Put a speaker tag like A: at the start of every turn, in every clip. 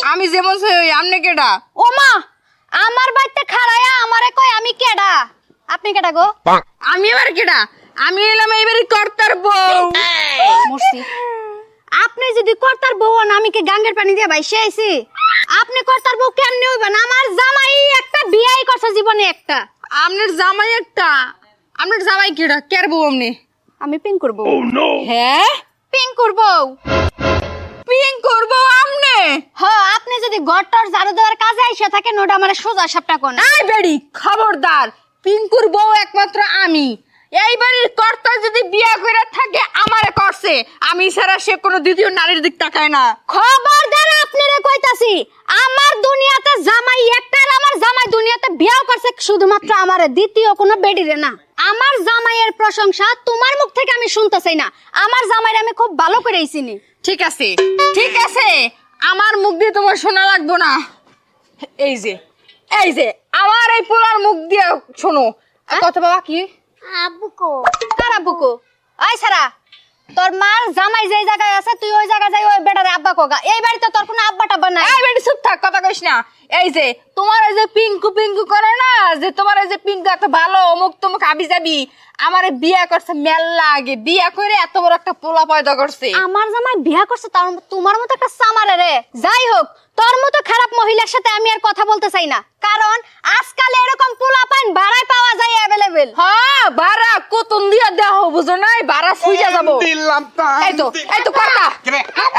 A: আমি যেমন সই আমনে কেডা?
B: ও মা, আমার বাড়িতে খাড়ায়া আমারে কয় আমি কেডা? আপনি কেডা গো?
A: আমি এবার কেডা? আমি এলাম এইবারে কর্তার বউ।
B: মরছি। আপনি যদি কর্তার বউ হন, আমি কি গাঙ্গের পানি দিয়ে ভাইসে আইছি? আপনি কর্তার বউ কেমনে হইবেন? আমার জামাই একটা বিয়াই করছে জীবনে একটা।
A: আমনের জামাই একটা। আমনের জামাই কেডা? কের বউ আমনে?
B: আমি পিং করব।
A: হ্যাঁ?
B: পিং করব।
A: পিং করবো আমনে?
B: হ্যাঁ, আপনি যদি ঘরটার ঝাড়ু দেওয়ার কাজে আইসা থাকেন, ওটা আমার সোজা সাপটা কোন।
A: এই বেড়ি খবরদার, পিঙ্কুর বউ একমাত্র আমি। এই বাড়ির কর্তা যদি বিয়া করে থাকে আমারে করছে, আমি ছাড়া সে কোনো দ্বিতীয় নারীর দিক তাকায় না।
B: খবরদার, আপনারে কইতাছি, আমার দুনিয়াতে জামাই একটা, আর আমার জামাই দুনিয়াতে বিয়াও করছে শুধুমাত্র আমারে, দ্বিতীয় কোনো বেডিরে না। আমার জামাইয়ের প্রশংসা তোমার মুখ থেকে আমি শুনতে চাই না। আমার জামাইরে আমি খুব ভালো করেই চিনি।
A: ঠিক আছে, ঠিক আছে, আমার মুখ দিয়ে তোমার শোনা লাগবো না। এই যে, এই যে আমার এই পোলার মুখ দিয়ে শোনো কথা। বাবা কি
B: আব্বুকো কার আব্বুকো? আই সারা, তোর মার জামাই যেই জায়গায় আছে তুই ওই জায়গায় যাই ওই বেটারে আব্বা কোগা। এই বাড়িতে তোর কোনো আব্বা টাব্বা নাই।
A: এই বেটি চুপ থাক, কথা কইস না। এই যে তোমার এই যে পিঙ্কু পিঙ্কু করে না, যে তোমার এই যে পিঙ্কু এত ভালো অমুক তমুক আবি যাবি, আমারে বিয়া করছে মেলা আগে, বিয়া করে এত বড় একটা পোলা পয়দা করছে।
B: আমার জামাই বিয়া করছে, তার তোমার মতো একটা সামারে রে। যাই হোক, তোর মতো খারাপ মহিলার সাথে আমি আর কথা বলতে চাই না, কারণ আজকাল এরকম পোলা পাইন ভাড়ায় পাওয়া যায় অ্যাভেলেবেল।
A: হ্যাঁ, ভাড়া কতন দিয়া দেওয়া হবো, বুঝো নাই? ভাড়া ছুঁইয়া যাবো।
C: দিলাম তো।
A: এই তো, এই তো কথা।
C: কেরে?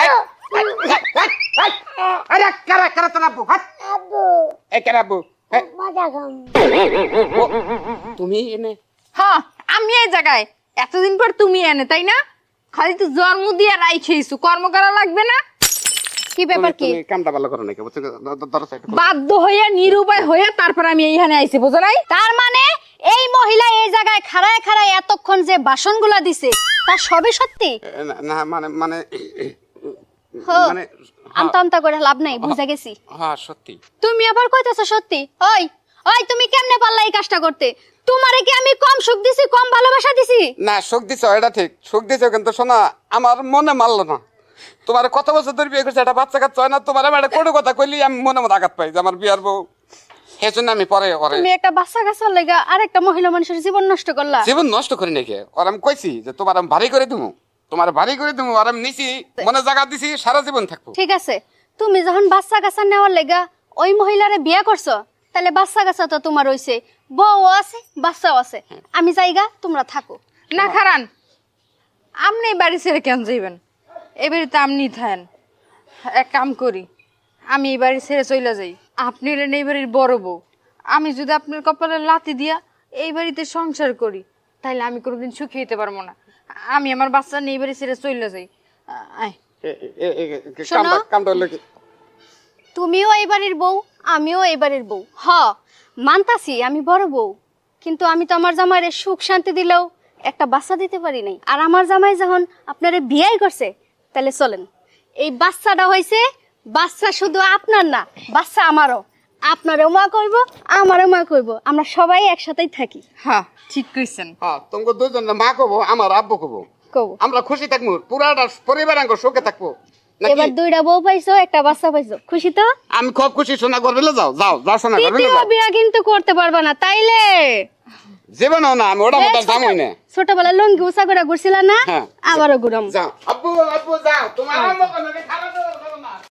C: আরে কারা কারা তোর আব্বু? আব্বু। এ কারা আব্বু? তুমি এনে?
A: হ্যাঁ, আমি এই জায়গায় এতদিন পর তুমি এনে, তাই না? খালি তো জন্ম দিয়ে রাই খেয়েছো, কর্ম করা লাগবে না?
B: কি ব্যাপার কি?
C: তুমি কামটা ভালো করো নাকি? বুঝছো? ধরো সাইড।
A: বাধ্য হইয়া নিরুপায় হইয়া তারপর আমি এইখানে আইছি, বুঝো নাই?
B: তার মানে এই মহিলা এই জায়গায় খাড়ায় খাড়ায় এতক্ষণ যে বাসনগুলা দিছে তা সবই সত্যি?
C: না মানে মানে মানে
B: আমতা আমতা করে লাভ নাই, বুঝা গেছি।
C: হ্যাঁ সত্যি।
B: তুমি আবার কইতাছো সত্যি? ওই ওই, তুমি কেমনে পারলা এই কাজটা করতে? তোমারে কি আমি কম সুখ দিছি, কম ভালোবাসা দিছি?
C: না, সুখ দিছো এটা ঠিক, সুখ দিছো, কিন্তু শোনা আমার মনে মানলো না। তোমার কত বছর ধরে বিয়ে করছে, একটা বাচ্চা কাচ্চা হয় না, তোমার আমি একটা কোনো কথা কইলি আমি মনে মতো আঘাত পাই যে আমার বিয়ার বউ। সেই জন্য আমি পরে ওরে
B: তুমি একটা বাচ্চা কাচ্চার লাগা আরেকটা মহিলা মানুষের জীবন নষ্ট করলা।
C: জীবন নষ্ট করি নাকি? ওর আমি কইছি যে তোমার আমি ভারী করে দিবো, তোমার ভারী করে দিবো, আর আমি নিছি, মনে জায়গা দিছি, সারা জীবন থাকবো।
B: ঠিক আছে, তুমি যখন বাচ্চা কাচ্চা নেওয়ার লাগা ওই মহিলারে বিয়ে করছো, তাহলে বাচ্চা কাচ্চা তো তোমার হইছে, বউ আছে, বাচ্চাও আছে। আমি যাইগা, তোমরা থাকো।
A: না খারান, আপনি এই বাড়ি ছেড়ে কেন যাইবেন? এই বাড়িতে আপনি থাকেন। এক কাম করি, আমি এই বাড়ি ছেড়ে চলে যাই। আপনি হলেন এই বাড়ির বড় বউ। আমি যদি আপনার কপালে লাথি দিয়া এই বাড়িতে সংসার করি, তাহলে আমি কোনোদিন সুখী হইতে পারবো না। আমি আমার বাচ্চা নিয়ে এই বাড়ি ছেড়ে চলে যাই। আয়।
B: শোনো।
C: কামটা হলো কি?
B: তুমিও এই বাড়ির বউ, আমিও এই বাড়ির বউ। মানতাছি আমি বড় বউ, কিন্তু আমি তো আমার জামাইরে সুখ শান্তি দিলেও একটা বাচ্চা দিতে পারি নাই। আর আমার জামাই যখন আপনারে বিয়াই করছে, তাহলে চলেন, এই বাচ্চাটা হইছে, বাচ্চা শুধু আপনার না, বাচ্চা আমারও। আপনারও মা কইব, আমারও মা কইব, আমরা সবাই একসাথেই থাকি।
A: হ্যাঁ, ঠিক কইছেন।
C: হ্যাঁ, তোমাকে দুজন মা কবো, আমার আব্বু কবো,
B: কব
C: আমরা খুশি থাকবো, পুরাটা পরিবার আঙ্গ সুখে থাকবো নাকি?
B: এবার দুইটা বউ পাইছো, একটা বাচ্চা পাইছো, খুশি তো?
C: আমি খুব খুশি। সোনা করবে যাও যাও যাও, সোনা করবে
B: তৃতীয়
C: যাও।
B: বিয়া কিন্তু করতে পারবা না, তাইলে
C: জীবনও না, আমি ওটা মতো জামই না।
B: ছোটবেলা লঙ্গি উঁচা করে ঘুরছিল না,
C: হ্যাঁ।
B: আবারও ঘুরাম।
C: যাও আব্বু, আব্বু যাও, তোমার আম্মু কোনো খারাপ